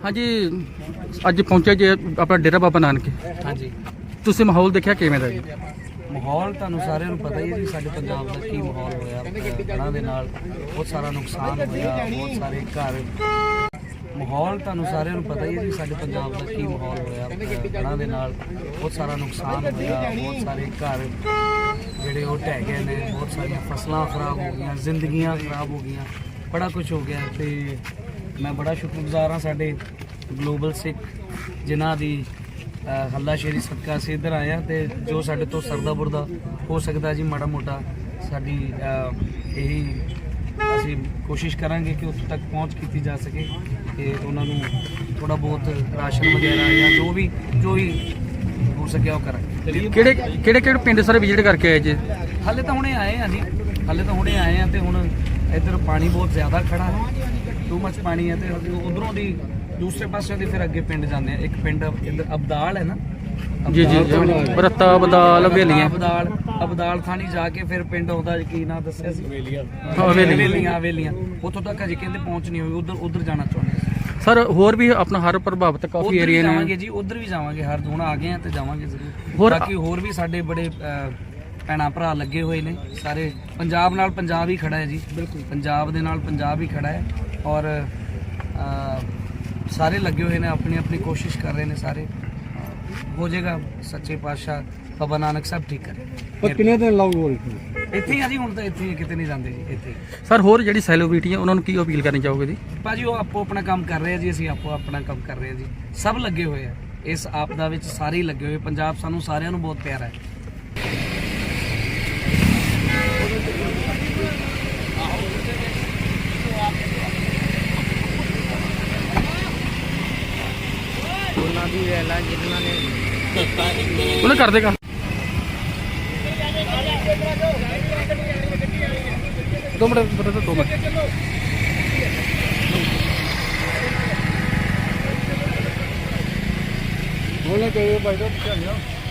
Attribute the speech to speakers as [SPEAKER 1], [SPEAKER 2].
[SPEAKER 1] हाँ जी अज पहुंचे जे अपना डेरा बाबा नानक।
[SPEAKER 2] हाँ जी
[SPEAKER 1] तुसीं माहौल देखिया किवें दा जी?
[SPEAKER 2] माहौल ਤੁਹਾਨੂੰ ਸਾਰਿਆਂ ਨੂੰ ਪਤਾ ਹੀ ਹੈ ਜੀ ਸਾਡੇ ਪੰਜਾਬ ਦਾ ਕੀ ਮਾਹੌਲ ਹੋਇਆ ਹੜ੍ਹਾਂ ਦੇ ਨਾਲ ਬਹੁਤ ਸਾਰਾ ਨੁਕਸਾਨ ਹੋਇਆ ਬਹੁਤ ਸਾਰੇ ਘਰ ਮਾਹੌਲ ਤੁਹਾਨੂੰ ਸਾਰਿਆਂ ਨੂੰ ਪਤਾ ਹੀ ਹੈ ਜੀ ਸਾਡੇ ਪੰਜਾਬ ਦਾ ਕੀ ਮਾਹੌਲ ਹੋਇਆ ਹੜ੍ਹਾਂ ਦੇ ਨਾਲ ਬਹੁਤ ਸਾਰਾ ਨੁਕਸਾਨ ਹੋਇਆ ਬਹੁਤ ਸਾਰੇ ਘਰ ਜਿਹੜੇ ਉਹ ਢਹਿ ਗਏ ਨੇ ਬਹੁਤ ਸਾਰੀਆਂ ਫਸਲਾਂ ਖਰਾਬ ਹੋ ਗਈਆਂ ਜ਼ਿੰਦਗੀਆਂ ਖਰਾਬ ਹੋ ਗਈਆਂ ਬੜਾ ਕੁਝ ਹੋ ਗਿਆ ਤੇ ਮੈਂ ਬੜਾ ਸ਼ੁਕਰਗੁਜ਼ਾਰ ਹਾਂ ਸਾਡੇ ਗਲੋਬਲ ਸਿੱਖ ਜਿਨ੍ਹਾਂ ਦੀ ਹੱਲਾਸ਼ੇਰੀ ਸਦਕਾ ਅਸੀਂ ਇੱਧਰ ਆਏ ਹਾਂ ਤੇ ਜੋ ਸਾਡੇ ਤੋਂ ਸਰਦਾ ਬੁਰਦਾ ਹੋ ਸਕਦਾ ਜੀ ਮਾੜਾ ਮੋਟਾ ਸਾਡੀ ਇਹੀ ਅਸੀਂ ਕੋਸ਼ਿਸ਼ ਕਰਾਂਗੇ ਕਿ ਉੱਥੇ ਤੱਕ ਪਹੁੰਚ ਕੀਤੀ ਜਾ ਸਕੇ ਤੇ ਉਹਨਾਂ ਨੂੰ ਥੋੜਾ ਬਹੁਤ ਰਾਸ਼ਨ ਵਗੈਰਾ ਜਾਂ ਜੋ ਵੀ ਹੋ ਸਕਿਆ ਉਹ ਕਰਾਂਗੇ।
[SPEAKER 1] ਕਿਹੜੇ ਪਿੰਡ ਸਾਰੇ ਵਿਜ਼ਿਟ ਕਰਕੇ ਆਏ ਜੀ?
[SPEAKER 2] ਹਾਲੇ ਤਾਂ ਹੁਣੇ ਆਏ ਆ ਜੀ ਹਾਲੇ ਤਾਂ ਹੁਣੇ ਆਏ ਆ ਤੇ ਹੁਣ ਇੱਧਰ ਪਾਣੀ ਬਹੁਤ ਜ਼ਿਆਦਾ ਖੜਾ ਹੈ ਟੂ ਮੱਚ ਪਾਣੀ ਹੈ ਤੇ ਉਧਰੋਂ ਦੀ दूसरे पासे फिर अगे पिंड जाते हैं एक पिंड इधर अबदाल है ना
[SPEAKER 1] जी जी बरता अबदाल हवेलियां
[SPEAKER 2] अबदाल थानी जाके फिर पिंड आउंदा की ना दस्सिया सी हवेलियां उतों तक अजे कहंदे पहुंच नहीं हुई उधर जाना चाहुंदे
[SPEAKER 1] सर होर भी अपना हर प्रभावित काफी एरिया ने
[SPEAKER 2] जावांगे जी उधर भी जावांगे हर हुण आ गए हैं ते जावांगे जरूर बाकी होर भी साडे बड़े ਭੈਣਾਂ ਭਰਾ ਲੱਗੇ ਹੋਏ ਨੇ ਸਾਰੇ ਪੰਜਾਬ ਨਾਲ ਪੰਜਾਬ ਹੀ ਖੜਾ ਹੈ ਜੀ ਬਿਲਕੁਲ ਪੰਜਾਬ ਦੇ ਨਾਲ ਪੰਜਾਬ ਹੀ ਖੜਾ ਹੈ ਔਰ ਸਾਰੇ ਲੱਗੇ ਹੋਏ ਨੇ ਆਪਣੀ ਆਪਣੀ ਕੋਸ਼ਿਸ਼ ਕਰ ਰਹੇ ਨੇ ਸਾਰੇ ਹੋ ਜਾਏਗਾ ਸੱਚੇ ਪਾਤਸ਼ਾਹ ਬਾਬਾ ਨਾਨਕ ਸਾਹਿਬ ਠੀਕ ਕਰੇ।
[SPEAKER 1] ਪਰ ਕਿੰਨੇ ਦਿਨ ਲਾਉ
[SPEAKER 2] ਇੱਥੇ ਆ ਜੀ ਹੁਣ ਤਾਂ ਇੱਥੇ ਕਿਤੇ ਨਹੀਂ ਜਾਂਦੇ ਜੀ ਇੱਥੇ
[SPEAKER 1] ਸਰ ਹੋਰ ਜਿਹੜੀ ਸੈਲੀਬ੍ਰਿਟੀ ਹੈ ਉਹਨਾਂ ਨੂੰ ਕੀ ਅਪੀਲ ਕਰਨੀ ਚਾਹੋਗੇ ਜੀ?
[SPEAKER 2] ਭਾਜੀ ਉਹ ਆਪੋ ਆਪਣਾ ਕੰਮ ਕਰ ਰਹੇ ਆ ਜੀ ਅਸੀਂ ਆਪੋ ਆਪਣਾ ਕੰਮ ਕਰ ਰਹੇ ਆ ਜੀ ਸਭ ਲੱਗੇ ਹੋਏ ਆ ਇਸ ਆਪਦਾ ਵਿੱਚ ਸਾਰੇ ਹੀ ਲੱਗੇ ਹੋਏ ਪੰਜਾਬ ਸਾਨੂੰ ਸਾਰਿਆਂ ਨੂੰ ਬਹੁਤ ਪਿਆਰਾ ਹੈ। ਉਹਨਾਂ ਦੀ ਵੇਲਾ ਜਿਨ੍ਹਾਂ ਨੇ
[SPEAKER 1] ਉਹਨੇ ਕਰ ਦੇਗਾ 2 ਮਿੰਟ 2 ਮਿੰਟ ਬੋਲਣਾ ਚਾਹੀਏ ਭਾਈ ਸਾਹਿਬ।